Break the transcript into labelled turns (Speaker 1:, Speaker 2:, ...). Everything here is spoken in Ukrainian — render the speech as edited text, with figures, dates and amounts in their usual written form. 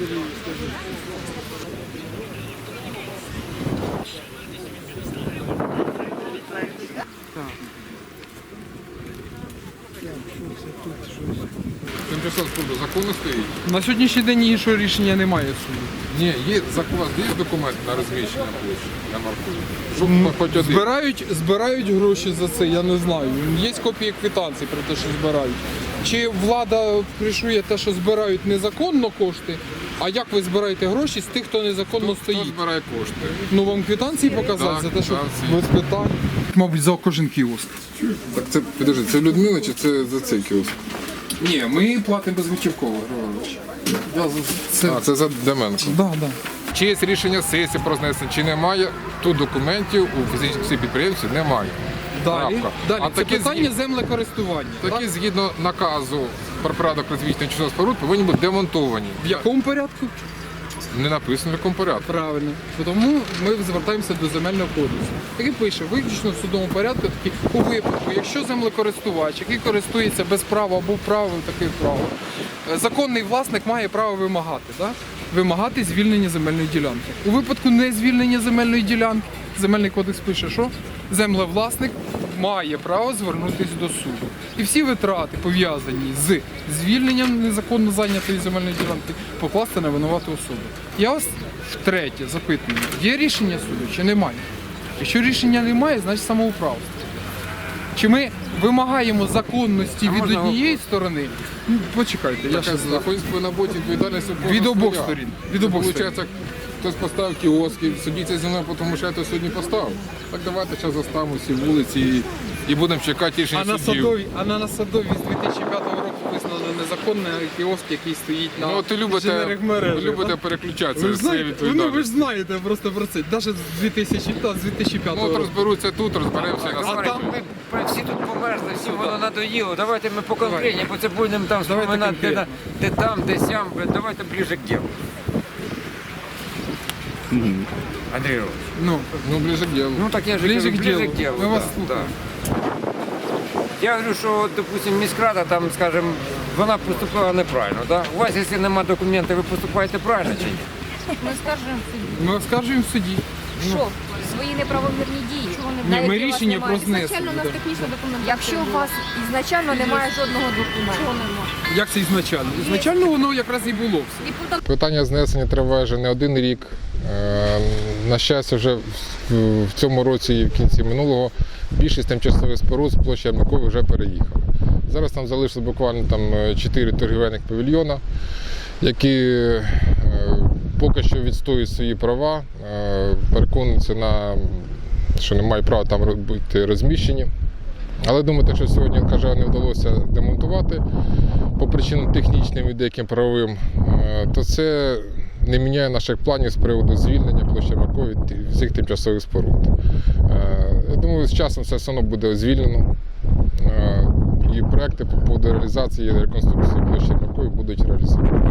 Speaker 1: Тимчасова споруда законно стоїть?
Speaker 2: На сьогоднішній день іншого рішення немає суду.
Speaker 1: Ні, є закон, є документ на розміщення площі, на марку. Щоб хоч один.
Speaker 2: Збирають гроші за це, я не знаю. Є копії квитанцій про те, що збирають. Чи влада кришує те, що збирають незаконно кошти, а як ви збираєте гроші з тих, хто незаконно
Speaker 1: Хто
Speaker 2: стоїть?
Speaker 1: збирає кошти?
Speaker 2: Ну вам квитанції показати
Speaker 1: Так,
Speaker 2: за те, що
Speaker 1: квитанції.
Speaker 2: без питань? Мабуть, за кожен кіоск.
Speaker 1: Так це, підожди, це Людмила чи це за цей кіоск?
Speaker 2: Ні, ми платимо безготівково, Григорович.
Speaker 1: Це за Деменко.
Speaker 2: Да.
Speaker 1: Чи є рішення сесії про знесення, чи немає, тут документів у фізичних підприємців немає.
Speaker 2: Далі,
Speaker 1: А
Speaker 2: це
Speaker 1: такі
Speaker 2: питання землекористування.
Speaker 1: Такі згідно наказу про порядок розвитку тимчасових споруд повинні бути демонтовані.
Speaker 2: В якому порядку?
Speaker 1: Не написано в якому порядку.
Speaker 2: Правильно. Тому ми звертаємося до земельного кодексу, який пише, виключно в судовому порядку, такі, у випадку, якщо землекористувач, який користується без права або правом таких прав, законний власник має право вимагати, да? Вимагати звільнення земельної ділянки. У випадку незвільнення земельної ділянки, земельний кодекс пише, що землевласник має право звернутися до суду. І всі витрати, пов'язані з звільненням незаконно зайнятої земельної ділянки, покласти на винувату особу. Я вас втретє запитую, є рішення суду чи немає? Якщо рішення немає, значить самоуправство. Чи ми вимагаємо законності від однієї сторони? Ну, почекайте, я ще
Speaker 1: Знаходиться на боці відповідальність
Speaker 2: від обох сторін. Від обох сторін.
Speaker 1: Получається, хтось поставив кіоски, судіться зі мною, тому що я то сьогодні поставив. Так давайте зараз заставимо всі вулиці і будемо чекати рішення суддів.
Speaker 2: А на Садовій з 2005 року визнано незаконний кіоск, який стоїть на
Speaker 1: Ну, ти
Speaker 2: інженерних мережах.
Speaker 1: ви любите переключатися,
Speaker 2: Ви ж
Speaker 1: з цією
Speaker 2: знаєте, ви
Speaker 1: відповідальністю.
Speaker 2: ж знаєте просто про це. Навіть з 2005
Speaker 1: Ну, от
Speaker 2: року.
Speaker 1: розберуться тут, розберемося на
Speaker 2: А там
Speaker 1: сайті.
Speaker 3: Ми всі тут померзли, всім воно надоїло. Давайте ми по конкретні, бо це будемо там вспоминати, де там, де сям. Давайте ближе к делу. Андрій Ігорович,
Speaker 1: Ну, ближе к делу.
Speaker 3: ну так я же
Speaker 2: Ближе
Speaker 3: говорю,
Speaker 2: к
Speaker 3: ближе
Speaker 2: делу.
Speaker 3: к делу.
Speaker 2: Ми вас
Speaker 3: да,
Speaker 2: слухаємо.
Speaker 3: да. Я говорю, що, допустим, міськрада там, скажем, вона поступила неправильно. Да? У вас, якщо немає документів, ви поступаєте правильно чи ні?
Speaker 4: Ми скажемо в суді.
Speaker 2: Ми оскаржуємо в суді.
Speaker 4: Що? Свої неправомірні дії. Чого вони
Speaker 2: Ні, ми рішення про знесення.
Speaker 4: Ізначально у нас технічна документація. Якщо у вас ізначально немає жодного документу. Чого немає?
Speaker 2: Як це ізначально? Ізначально воно якраз і було все.
Speaker 4: І потім
Speaker 1: Питання знесення триває вже не один рік. На щастя, вже в цьому році і в кінці минулого більшість тимчасових споруд з площі Ярмакової вже переїхали. Зараз там залишилось буквально 4 торгівельних павільйона, які поки що відстоюють свої права, переконуються, що не мають права там бути розміщені. Але думаю, що сьогодні ЛКЖ не вдалося демонтувати по причинам технічним і деяким правовим, то це не міняє наших планів з приводу звільнення площі Ярмакової від всіх тимчасових споруд. Я думаю, з часом це все одно буде звільнено. І проекти по поводу реалізації і реконструкції площі Ярмакової будуть реалізовані.